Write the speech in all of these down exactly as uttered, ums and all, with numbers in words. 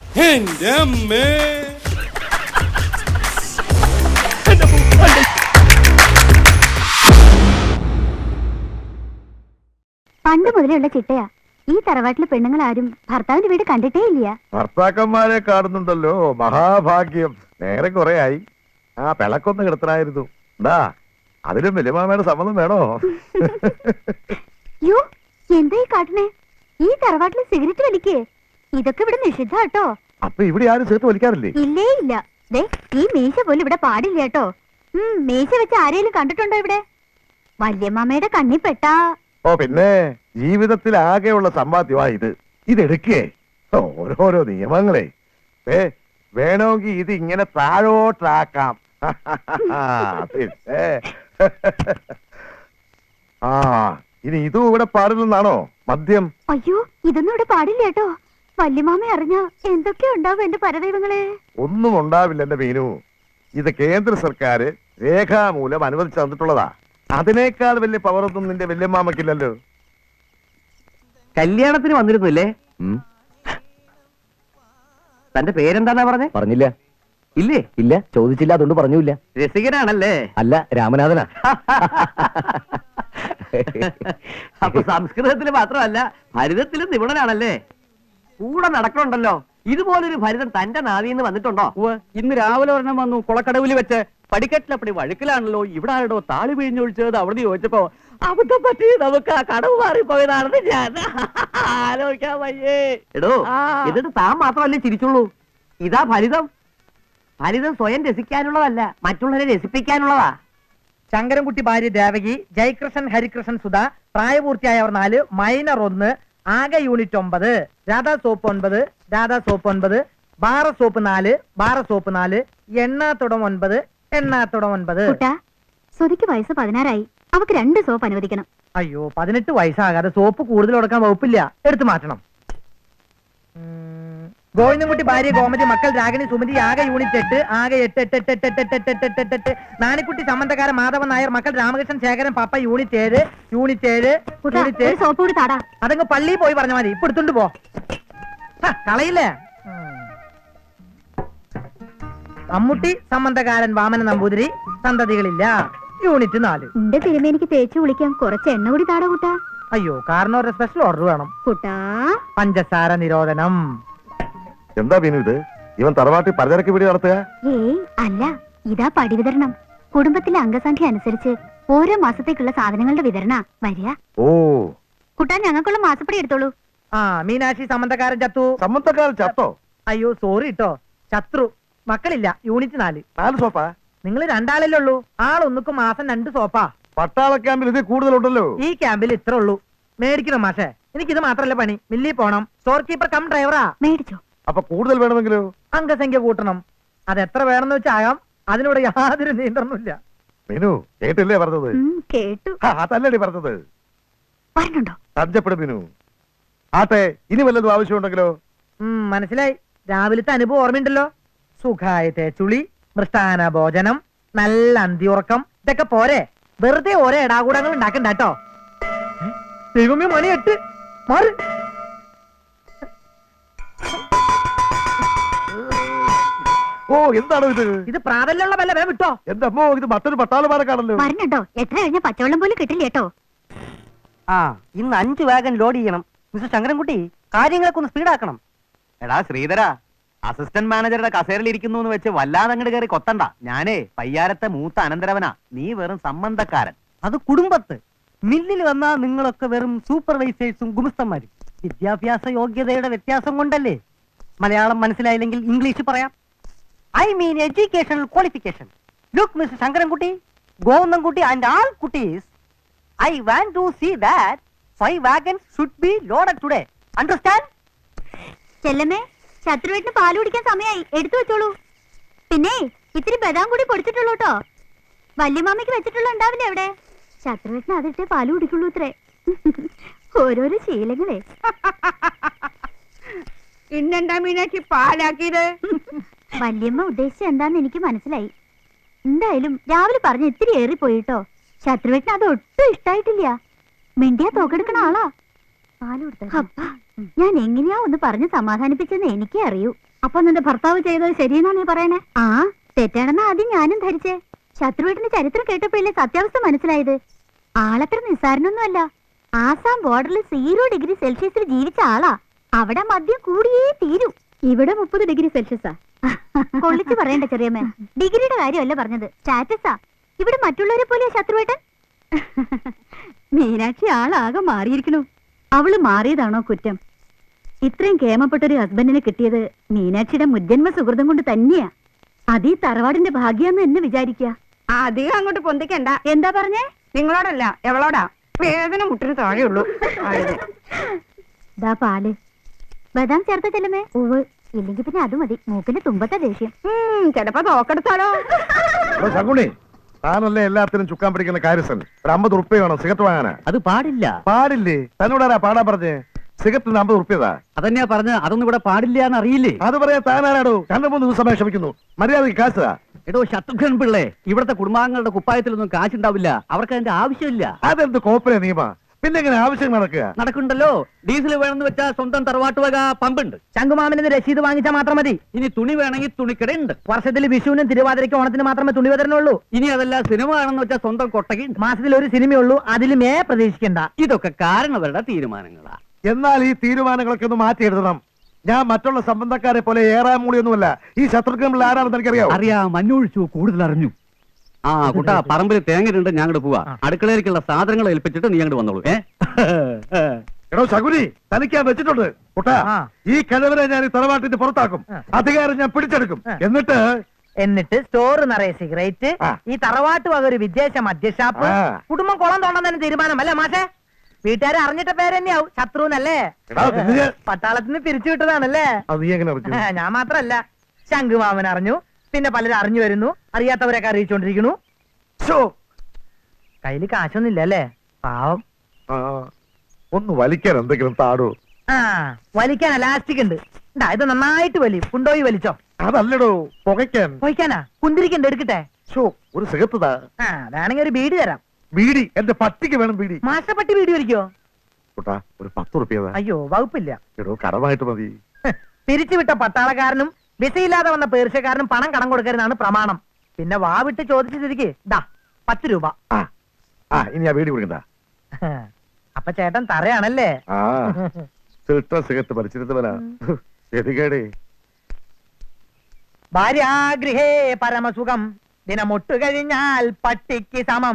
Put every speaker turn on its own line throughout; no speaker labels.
എന്റെ അമ്മേ.
പണ്ട് മുതലുള്ള ചിട്ടയാ. ഈ തറവാട്ടിലെ പെണ്ണുങ്ങൾ ആരും ഭർത്താവിന്റെ വീട് കണ്ടിട്ടേ ഇല്ല.
ഭർത്താക്കന്മാരെ കാണുന്നുണ്ടല്ലോ, മഹാഭാഗ്യം. നേരെ കുറെ ആയി. ആ പിളക്കൊന്ന് കിടത്തനായിരുന്നു. എന്താ അതിലും വലിയമാമയുടെ സമ്മതം വേണോ?
യോ, എന്താ ഈ കാട്ടണേ? ഈ തറവാട്ടില് സിഗരറ്റ് വലിക്കേ? ഇതൊക്കെ ഇവിടെ നിഷിദ്ധ കേട്ടോ.
അപ്പൊ ഇവിടെ ആരും സിഗരറ്റ് വലിക്കാറില്ലേ?
ഇല്ലേ ഇല്ല. ദേ, ഈ മീശ പോലും ഇവിടെ പാടില്ല കേട്ടോ. ഉം മീശ വെച്ച് ആരെയും കണ്ടിട്ടുണ്ടോ ഇവിടെ? വല്യമ്മയുടെ കണ്ണി പെട്ടാ.
ഓ പിന്നെ, ജീവിതത്തിൽ ആകെയുള്ള സമ്പാദ്യമാ ഇത്. ഇതെടുക്കേ. ഓരോരോ നിയമങ്ങളെ. ഏ വേണമെങ്കിൽ ഇത് ഇങ്ങനെ താഴോട്ടാക്കാം. പിന്നെ ആ ഇനി ഇതും ഇവിടെ പാടില്ലെന്നാണോ മദ്യം?
അയ്യോ, ഇതൊന്നും ഇവിടെ പാടില്ല കേട്ടോ. വല്യമാമ അറിഞ്ഞ എന്തൊക്കെയോ ഉണ്ടാവും എന്റെ പരദൈവങ്ങളെ.
ഒന്നും ഉണ്ടാവില്ല എന്റെ മീനു. ഇത് കേന്ദ്ര സർക്കാർ രേഖാമൂലം അനുവദിച്ചു തന്നിട്ടുള്ളതാ. അതിനേക്കാൾ വലിയ പവറൊന്നും നിന്റെ വല്യമ്മാമക്കില്ലല്ലോ.
കല്യാണത്തിന് വന്നിരുന്നില്ലേ? തന്റെ പേരെന്താന്നാ പറഞ്ഞേ?
പറഞ്ഞില്ല.
ഇല്ലേ?
ഇല്ല, ചോദിച്ചില്ല, അതുകൊണ്ട് പറഞ്ഞില്ല.
രസികനാണല്ലേ?
അല്ല, രാമനാഥനാ.
അപ്പൊ സംസ്കൃതത്തിൽ മാത്രമല്ല ഭരിതത്തിലും നിപുണനാണല്ലേ? കൂടെ നടക്കണുണ്ടല്ലോ. ഇതുപോലൊരു ഭരിതൻ തന്റെ നാവിന്ന് വന്നിട്ടുണ്ടോ?
ഇന്ന് രാവിലെ ഒരെണ്ണം വന്നു കുളക്കടവിൽ വെച്ച്. പടിക്കെട്ടിലപ്പടി വഴുക്കലാണല്ലോ, ഇവിടെ ആരോ താളി പിഴിഞ്ഞൊഴിച്ചത് അവിടെ ചോദിച്ചപ്പോ അബദ്ധം പറ്റി നമുക്ക് ആ കടവ് മാറിപ്പോയതാണെന്ന് ഞാൻ ആലോചിക്കാൻ വയ്യേ.
എടോ, എന്നിട്ട് താൻ മാത്രമല്ലേ ചിരിച്ചുള്ളൂ? ഇതാ ഫലിതം. ഫലിതം സ്വയം രസിക്കാനുള്ളതല്ല, മറ്റുള്ളവരെ രസിപ്പിക്കാനുള്ളതാ.
ശങ്കരൻകുട്ടി ഭാര്യ ദേവകി, ജയകൃഷ്ണൻ, ഹരികൃഷ്ണൻ, സുധ, പ്രായപൂർത്തിയായവർ നാല്, മൈനർ ഒന്ന്, ആകെ യൂണിറ്റ് ഒമ്പത്, രാധാ സോപ്പ് ഒൻപത്, രാധാ സോപ്പ് ഒൻപത്, ബാറ സോപ്പ് നാല്, ബാറ സോപ്പ് നാല്, എണ്ണാത്തുടം ഒൻപത്, എണ്ണാത്തുടം ഒൻപത്.
സുധിക്ക് വയസ്സ് പതിനാറായി. അവക്ക് രണ്ട് സോപ്പ് അനുവദിക്കണം.
അയ്യോ, പതിനെട്ട് വയസ്സാകാതെ സോപ്പ് കൂടുതൽ കൊടുക്കാൻ വകുപ്പില്ല, എടുത്തു മാറ്റണം. ഗോവിന്ദൻകുട്ടി ഭാര്യ ഗോമതി, മക്കൾ രാഗിണി, സുമതി, ആകെ യൂണിറ്റ് എട്ട്, ആകെ എട്ട് എട്ട് എട്ട് എട്ട് എട്ട് എട്ട് എട്ട് എട്ട് എട്ട് എട്ട്. നാണിക്കുട്ടി സംബന്ധക്കാരൻ മാധവൻ നായർ, മക്കൾ രാമകൃഷ്ണൻ, ശേഖരൻ, പപ്പ, യൂണിറ്റ് ഏഴ്, യൂണിറ്റ് ഏഴ്, യൂണിറ്റ് ഏഴ്.
സോപ്പ് കൂടി താടാ.
അതങ്ങ് പള്ളിയിൽ പോയി പറഞ്ഞ മതി, ഇപ്പൊ എടുത്തോണ്ട് പോ. കളയില്ലേ? മമ്മൂട്ടി സംബന്ധക്കാരൻ വാമന നമ്പൂതിരി, സന്തതികളില്ല, യൂണിറ്റ് നാല്.
എന്റെ തിരുമേനിക്ക് തേച്ചു കുളിക്കാൻ കുറച്ച് എണ്ണ കൂടി താടാ കൂട്ടാ.
അയ്യോ, കാരണം ഒരു സ്പെഷ്യൽ ഓർഡർ വേണം
കൂട്ടാ.
പഞ്ചസാര നിരോധനം.
എന്താ മീനു ഇത്? ഇവൻ തറവാട്ടി പലചരക്ക് പിടി നടത്തുക?
ഏയ് അല്ല, ഇതാ പടി വിതരണം. കുടുംബത്തിലെ അംഗസംഖ്യ അനുസരിച്ച് ഓരോ മാസത്തേക്കുള്ള സാധനങ്ങളുടെ വിതരണ വരിക.
ഓ,
കുട്ടാ, ഞങ്ങൾക്കുള്ള മാസപ്പടി എടുത്തോളൂ.
ആ, മീനാക്ഷി സംബന്ധക്കാരൻ ചത്തു.
സമ്മതക്കാരൻ ചത്തോ?
അയ്യോ സോറി കേട്ടോ, ശത്രു. മക്കളില്ല, യൂണിറ്റ് നാല്.
നാല് സോപ്പാ?
നിങ്ങൾ രണ്ടാളല്ലേ ഉള്ളൂ. ആളൊന്നുക്കും മാസം രണ്ട് സോപ്പാ.
പട്ടാള ക്യാമ്പിൽ ഇത് കൂടുതലുണ്ടല്ലോ.
ഈ ക്യാമ്പിൽ ഇത്ര ഉള്ളൂ. മേടിക്കണം മാഷേ. എനിക്കിത് മാത്രല്ല പണി. മില്ലി പോണം, സ്റ്റോർ കീപ്പർ കം ഡ്രൈവറാ.
മേടിച്ചോ.
അപ്പൊ കൂടുതൽ വേണമെങ്കിലോ?
അംഗസംഖ്യ കൂട്ടണം. അത് എത്ര വേണമെന്ന് വെച്ചാകാം. അതിനോട് യാതൊരു നിയന്ത്രണമില്ല.
മീനു കേട്ടില്ലേ പറഞ്ഞത്?
കേട്ടു.
അതല്ലടി പറഞ്ഞത്.
പറഞ്ഞുണ്ടോ?
തഞ്ചപ്പെടും മീനു. ആട്ടെ, ഇനി വല്ലതും ആവശ്യമുണ്ടെങ്കിലോ?
ഉം മനസ്സിലായി. രാവിലത്തെ അനുഭവം ഓർമ്മയുണ്ടല്ലോ. സുഖായ തേച്ചുളി, മൃഷ്ടാന ഭോജനം, നല്ല അന്തിയുറക്കം, ഇതൊക്കെ പോരെ. വെറുതെ ഓരോ ഇടാകൂടങ്ങൾ ഉണ്ടാക്കണ്ട കേട്ടോ. ദൈവമേ, മണി എട്ട്. മാറി.
ഓ, എന്താണോ ഇത്?
ഇത് പ്രാതലുള്ള വല്ല വേ വിട്ടോ.
എന്റെ അമ്മോ, ഇത് മറ്റൊരു പട്ടാളമാരൊക്കെയാണല്ലോ.
പറഞ്ഞോ, എത്ര കഴിഞ്ഞ പച്ചവെള്ളം പോലും കിട്ടില്ല കേട്ടോ.
ആ, ഇന്ന് അഞ്ചു വാഗൻ ലോഡ് ചെയ്യണം. മിസ്റ്റർ ശങ്കരൻകുട്ടി, കാര്യങ്ങളൊക്കെ ഒന്ന് സ്പീഡാക്കണം. എടാ ശ്രീധര, അസിസ്റ്റന്റ് മാനേജറുടെ കസേരയിൽ ഇരിക്കുന്നു എന്ന് വെച്ച് വല്ലാതെ അങ്ങോട്ട് കയറി കൊത്തണ്ട. ഞാനേ പയ്യാരത്തെ മൂത്ത അനന്തരവനാ. നീ വെറും സംബന്ധക്കാരൻ. അത് കുടുംബത്ത്. മില്ലിൽ വന്നാ നിങ്ങളൊക്കെ വെറും സൂപ്പർവൈസേഴ്സും ഗുമസ്തന്മാരും. വിദ്യാഭ്യാസ യോഗ്യതയുടെ വ്യത്യാസം കൊണ്ടല്ലേ. മലയാളം മനസ്സിലായില്ലെങ്കിൽ ഇംഗ്ലീഷ് പറയാം. I mean educational qualification. Look mister Sankarankutty, Govindankutty and all കുട്ടീസ്, I want to see that five wagons should be loaded today. Understand?
ചെല്ലമ്മേ, ശത്രുവേട്ടിന് പാല് കുടിക്കാൻ സമയമായി. എടുത്തു വെച്ചോളൂ. പിന്നെ ഇത്തിരി ബദാം കൂടി പൊടിച്ചിട്ടുള്ളൂ കേട്ടോ. വല്യമാമയ്ക്ക് വെച്ചിട്ടുള്ള ഉണ്ടാവില്ല എവിടെ? ശത്രുവേട്ടിന് അതിട്ടേ പാല് കുടിക്കുള്ളൂ ഇത്രേ. ഓരോരോ ശീലങ്ങളെ.
ഇന്നെന്താ മീനാക്ഷി പാലാക്കിയത്?
വല്യമ്മ ഉദ്ദേശിച്ച എന്താന്ന് എനിക്ക് മനസ്സിലായി. എന്തായാലും രാവിലെ പറഞ്ഞ് ഇത്തിരി ഏറിപ്പോയിട്ടോ. ശത്രുവേട്ടിന് അത് ഒട്ടും ഇഷ്ടായിട്ടില്ല. മിണ്ടിയാ തോക്കെടുക്കണ ആളാ. പാല് കൊടുത്ത ഞാൻ എങ്ങനെയാ ഒന്ന് പറഞ്ഞ് സമാധാനിപ്പിച്ചെന്ന് എനിക്കേ അറിയൂ. അപ്പൊ നിന്റെ ഭർത്താവ് ചെയ്തത് ശരിയെന്നാ നീ പറയണേ? ആ, തെറ്റാണെന്നാ ആദ്യം ഞാനും ധരിച്ചേ. ശത്രുവേട്ടന്റെ ചരിത്രം കേട്ടപ്പോഴല്ലേ സത്യാവസ്ഥ മനസ്സിലായത്. ആളത്ര നിസ്സാരനൊന്നുമല്ല. ആസാം ബോർഡറിൽ സീറോ ഡിഗ്രി സെൽഷ്യസിൽ ജീവിച്ച ആളാ. അവിടെ മദ്യം കൂടിയേ തീരൂ. ഇവിടെ മുപ്പത് ഡിഗ്രി സെൽഷ്യസാ. കൊള്ളിച്ച് പറയണ്ട ചെറിയമ്മ, ഡിഗ്രിയുടെ കാര്യമല്ല പറഞ്ഞത്, സ്റ്റാറ്റസാ. ഇവിടെ മറ്റുള്ളവരെ പോലെയാ ശത്രുവേട്ടൻ. മീനാക്ഷി ആളാകെ മാറിയിരിക്കണു. അവള് മാറിയതാണോ കുറ്റം? ഇത്രയും കേമപ്പെട്ടൊരു ഹസ്ബൻഡിനെ കിട്ടിയത് മീനാക്ഷിയുടെ മുജ്ജന്മ സുഹൃതം കൊണ്ട് തന്നെയാ. അതീ തറവാടിന്റെ ഭാഗ്യാന്ന് എന്നെ വിചാരിക്കുക.
അധികം അങ്ങോട്ട് പൊന്തിക്കണ്ട.
എന്താ പറഞ്ഞേ?
നിങ്ങളോടല്ല, എവളോടാ. വേദന മുട്ടിന് താഴെയുള്ളൂ.
ദാ പാല്. ബദാം ചേർത്ത ചെല്ലമേ? ഉവ്. ഇല്ലെങ്കിൽ പിന്നെ അത് മതി. മൂക്കിന്റെ തുമ്പത്തെ ദേഷ്യം.
ചിലപ്പോ തോക്കെടുത്താലോ?
ശകുണി, താനല്ലേ എല്ലാത്തിനും ചുക്കാൻ പിടിക്കുന്ന കാര്യസ്ഥൻ. ഒരു അമ്പത് ഉറുപ്പ്യ വേണം സിഗരറ്റ് വാങ്ങാനാ.
അത് പാടില്ല.
പാടില്ലേ? തന്നോടാരാ പാടാൻ പറഞ്ഞേ? സിഗരറ്റിന് അമ്പത് ഉറുപ്പ്യതാ.
അതന്നെയാ പറഞ്ഞ, അതൊന്നും ഇവിടെ പാടില്ല എന്ന് അറിയില്ലേ?
അത് പറയാ താനാരാടോ? രണ്ടു മൂന്ന് ദിവസമായി ക്ഷമിക്കുന്നു. മര്യാദക്ക് കാശാ.
എടോ ശത്രുഘ്നൻ പിള്ളേ, ഇവിടുത്തെ കുടുംബാംഗങ്ങളുടെ കുപ്പായത്തിലൊന്നും കാശുണ്ടാവില്ല. അവർക്ക് അതിന്റെ ആവശ്യമില്ല.
അതെന്ത് കോപ്പറേ നിയമ? പിന്നെ എങ്ങനെ ആവശ്യം നടക്കുക?
നടക്കുന്നുണ്ടല്ലോ. ഡീസൽ വേണമെന്ന് വെച്ചാൽ സ്വന്തം തറവാട്ട് വക പമ്പുണ്ട്.
ശംഖുമാമന് രസീത് വാങ്ങിച്ചാൽ മാത്രം മതി.
ഇനി തുണി വേണമെങ്കിൽ തുണിക്കടയുണ്ട്.
വർഷത്തിൽ വിഷുവിനും തിരുവാതിരയ്ക്കും ഓണത്തിന് മാത്രമേ തുണി വിതരണുള്ളൂ.
ഇനി അതല്ല, സിനിമ വേണമെന്ന് വെച്ചാൽ സ്വന്തം കൊട്ടകയുണ്ട്.
മാസത്തിൽ ഒരു സിനിമയുള്ളൂ, അതിലും മേ പ്രതീക്ഷിക്കണ്ട.
ഇതൊക്കെ കാരണവരുടെ തീരുമാനങ്ങളാ.
എന്നാൽ ഈ തീരുമാനങ്ങളൊക്കെ ഒന്ന് മാറ്റിയെടുക്കണം. ഞാൻ മറ്റുള്ള സംബന്ധക്കാരെ പോലെ ഏറാൻ മൂളിയൊന്നുമല്ല. ഈ ശത്രുഘ്നൻ ആരാണെന്ന് എനിക്കറിയാം.
അറിയാം, മഞ്ഞൊഴിച്ചു, കൂടുതൽ അറിഞ്ഞു. ആ കുട്ടാ, പറമ്പിൽ തേങ്ങയിട്ടുണ്ട്, ഞാൻ അങ്ങോട്ട് പോവാ. അടുക്കളയിലേക്കുള്ള സാധനങ്ങൾ ഏൽപ്പിച്ചിട്ട് നീ അങ്ങോട്ട് വന്നോളൂ. ഏ
എടോ ശകുനി, തനിക്കാൻ വെച്ചിട്ടുണ്ട് കുട്ടാ.
ആ.
ഈ കിഴവരെ ഞാൻ ഈ തറവാട്ടിന്റെ പുറത്താക്കും. അധികാരം ഞാൻ പിടിച്ചെടുക്കും. എന്നിട്ട്
എന്നിട്ട് സ്റ്റോർ നിറയെ സിഗരറ്റ്,
ആ.
ഈ തറവാട്ട് വക ഒരു വിദേശ മദ്യഷാപ്പ്,
ആ.
കുടുംബം കുളം തോണ്ടാൻ തന്നെ തീരുമാനം അല്ലേ മാഷേ? വീട്ടുകാരെ അറിഞ്ഞിട്ട പേര് തന്നെയാവും ശത്രുന്നല്ലേ?
എടാ, നിന്നെ-
പട്ടാളത്തിന് പിരിച്ചു വിട്ടതാണല്ലേ?
അത് നീ എങ്ങനെ അറിഞ്ഞു?
ഞാൻ മാത്രല്ല, ശംഖുമാമൻ അറിഞ്ഞു, പിന്നെ പലരും അറിഞ്ഞു വരുന്നു, അറിയാത്തവരൊക്കെ അറിയിച്ചോണ്ടിരിക്കുന്നു.
ശോ.
കയ്യില് കാശൊന്നുമില്ല അല്ലേ? പാവം.
ആ, ഒന്ന് വലിക്കാൻ എന്തെങ്കിലും താടോ.
ആ, വലിക്കാൻ എലാസ്റ്റിക് ഉണ്ട്. ഇണ്ടാ, ഇത് നന്നായിട്ട് വലി. കൊണ്ടോയി വലിച്ചോ.
അതല്ലടോ, പുകയ്ക്കാൻ.
പോയിക്കാനാ? കുന്തിരിക്കണ്ട്, എടുക്കട്ടെ?
ശോ, ഒരു സിഗരറ്റ് താ.
ആ, വേണമെങ്കിൽ ഒരു ബീഡി തരാം.
ബീഡി? എന്റെ പട്ടിക്ക് വേണം ബീഡി.
മാഷപ്പട്ടി ബീഡി വലിക്കോ?
കുട്ടാ, ഒരു പത്ത് ഉറുപ്പ്യതാ.
അയ്യോ, വകുപ്പില്ല.
എടോ, കടമായിട്ട് മതി.
പിരിച്ചുവിട്ട പട്ടാളക്കാരനും വിസയില്ലാതെ വന്ന പേർഷ്യക്കാരനും പണം കടം കൊടുക്കരുതാണ് പ്രമാണം. പിന്നെ വാ വിട്ട് ചോദിച്ചു തിരികെ ദാ പത്ത് രൂപ.
ആ ആ ഇനി ആ ബീഡി കുടിക്കണ്ട.
അപ്പൊ ചേട്ടൻ തറയാണല്ലേ?
ആ ഫിൽട്ടർ സിഗരറ്റ് വലിച്ചിരുന്നവനാ. എതികേടേ.
ഭാര്യാഗൃഹേ പരമസുഖം, ദിനമൊട്ടു കഴിഞ്ഞാൽ പട്ടിക്ക് സമം.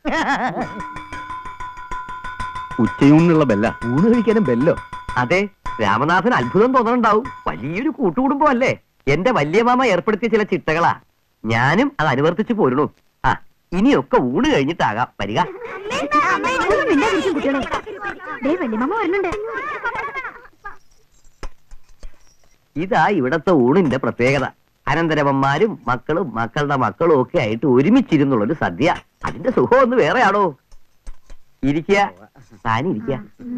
ഉച്ചയൂണിനുള്ള ബെല്ല.
ഊണ് കഴിക്കാനും ബെല്ലോ? അതെ, രാമനാഥൻ അത്ഭുതം തോന്നണുണ്ടാവും. വലിയൊരു കൂട്ടുകുടുംബം അല്ലേ? എന്റെ വലിയ മാമ ഏർപ്പെടുത്തിയ ചില ചിട്ടകളാ. ഞാനും അത് അനുവർത്തിച്ചു പോരണു. ആ, ഇനിയൊക്കെ ഊണ് കഴിഞ്ഞിട്ടാകാം വരിക.
വല്യമ്മ വരുന്നുണ്ട്.
ഇതാ ഇവിടത്തെ ഊണിന്റെ പ്രത്യേകത. അനന്തരവന്മാരും മക്കളും മക്കളുടെ മക്കളും ഒക്കെ ആയിട്ട് ഒരുമിച്ചിരുന്നുള്ളൊരു സദ്യ. അതിന്റെ സുഖം ഒന്ന് വേറെയാണോ? ഇരിക്കുക, താനിരിക്കുക.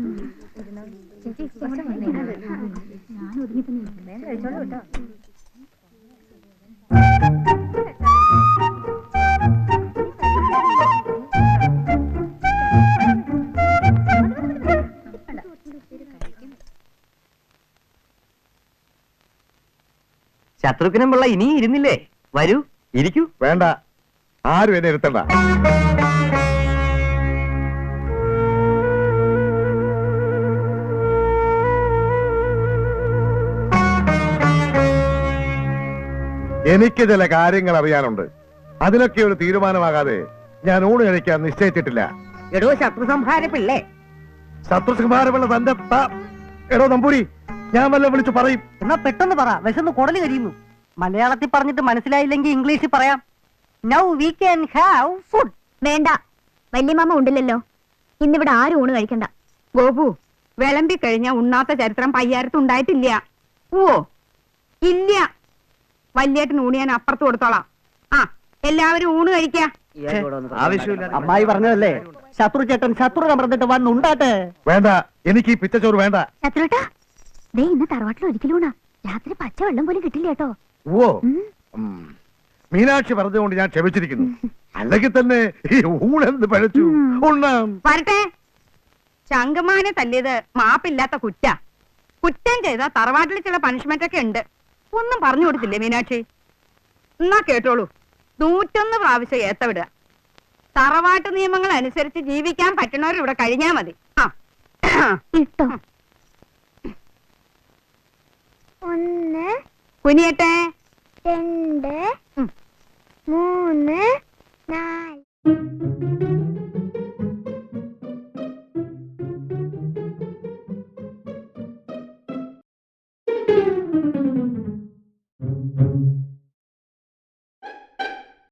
ശത്രുഘ്നം പിള്ള ഇനിയും ഇരുന്നില്ലേ? വരൂ, ഇരിക്കൂ.
വേണ്ട, ആരും എന്നെ ഇരുത്തണ്ട. എനിക്ക് ചില കാര്യങ്ങൾ അറിയാനുണ്ട്. അതിനൊക്കെ ഒരു തീരുമാനമാകാതെ ഞാൻ ഊണ് കഴിക്കാൻ നിശ്ചയിച്ചിട്ടില്ല.
എടോ ശത്രു സംഹാര പിള്ളേ,
ശത്രുസംഹാരമുള്ള തന്റെ ത- എടോ നമ്പൂരി, ഞാൻ വല്ല വിളിച്ചു പറയും.
എന്നാ പെട്ടെന്ന് പറ, വിശന്ന് കുടല് കഴിയുന്നു. മലയാളത്തിൽ പറഞ്ഞിട്ട് മനസ്സിലായില്ലെങ്കിൽ ഇംഗ്ലീഷിൽ പറയാം. Now we can have food.
വേണ്ട, വല്യമ്മ ഉണ്ടല്ലോ. ഇന്നിവിടെ ആരും ഊണ് കഴിക്കണ്ട.
ഗോപു, വിളമ്പി കഴിഞ്ഞ ഉണ്ണാത്ത ചരിത്രം പയ്യാരത്ത് ഉണ്ടായിട്ടില്ല. ഓ ഇല്ല, വല്യേട്ടൻ ഊണ് ഞാൻ അപ്പുറത്ത് കൊടുത്തോളാം. ആ, എല്ലാവരും ഊണ് കഴിക്കാ.
അമ്മായി പറഞ്ഞതല്ലേ, ശത്രു ചേട്ടൻ ശത്രു പറഞ്ഞിട്ട് വന്നുണ്ടാട്ടെ.
വേണ്ട, എനിക്ക് ഈ പിച്ചച്ചോറ് വേണ്ട.
ശത്രുട്ടാ, ദേ ഇന്ന് തറവാട്ടിൽ ഒരിക്കലും ഊണാ. രാത്രി പച്ച വെള്ളം പോലും കിട്ടില്ല കേട്ടോ.
ഓ ഉം. മീനാക്ഷി പറഞ്ഞുകൊണ്ട് ഞാൻ ക്ഷമിച്ചിരിക്കുന്നു. അല്ലെങ്കിൽ തന്നെ ഈ ഊണെന്ത് പഴച്ചു. ഉണ്ണാം.
വരട്ടെ. ശങ്കമാനെ തല്ലിയത് മാപ്പില്ലാത്ത കുറ്റ. കുറ്റം ചെയ്ത തറവാട്ടിൽ ചില പണിഷ്മെന്റ് ഒക്കെ ഉണ്ട്. ഒന്നും പറഞ്ഞു കൊടുത്തില്ലേ മീനാക്ഷി? എന്നാ കേട്ടോളൂ, നൂറ്റൊന്ന് പ്രാവശ്യം ഏത്തവിടുക. തറവാട്ട് നിയമങ്ങൾ അനുസരിച്ച് ജീവിക്കാൻ പറ്റണവർ ഇവിടെ കഴിഞ്ഞാ മതി. ആ
ഇട്ടോ. ഒന്ന്,
കുനിയട്ടെ.
രണ്ട്, മൂന്ന്, നാല്.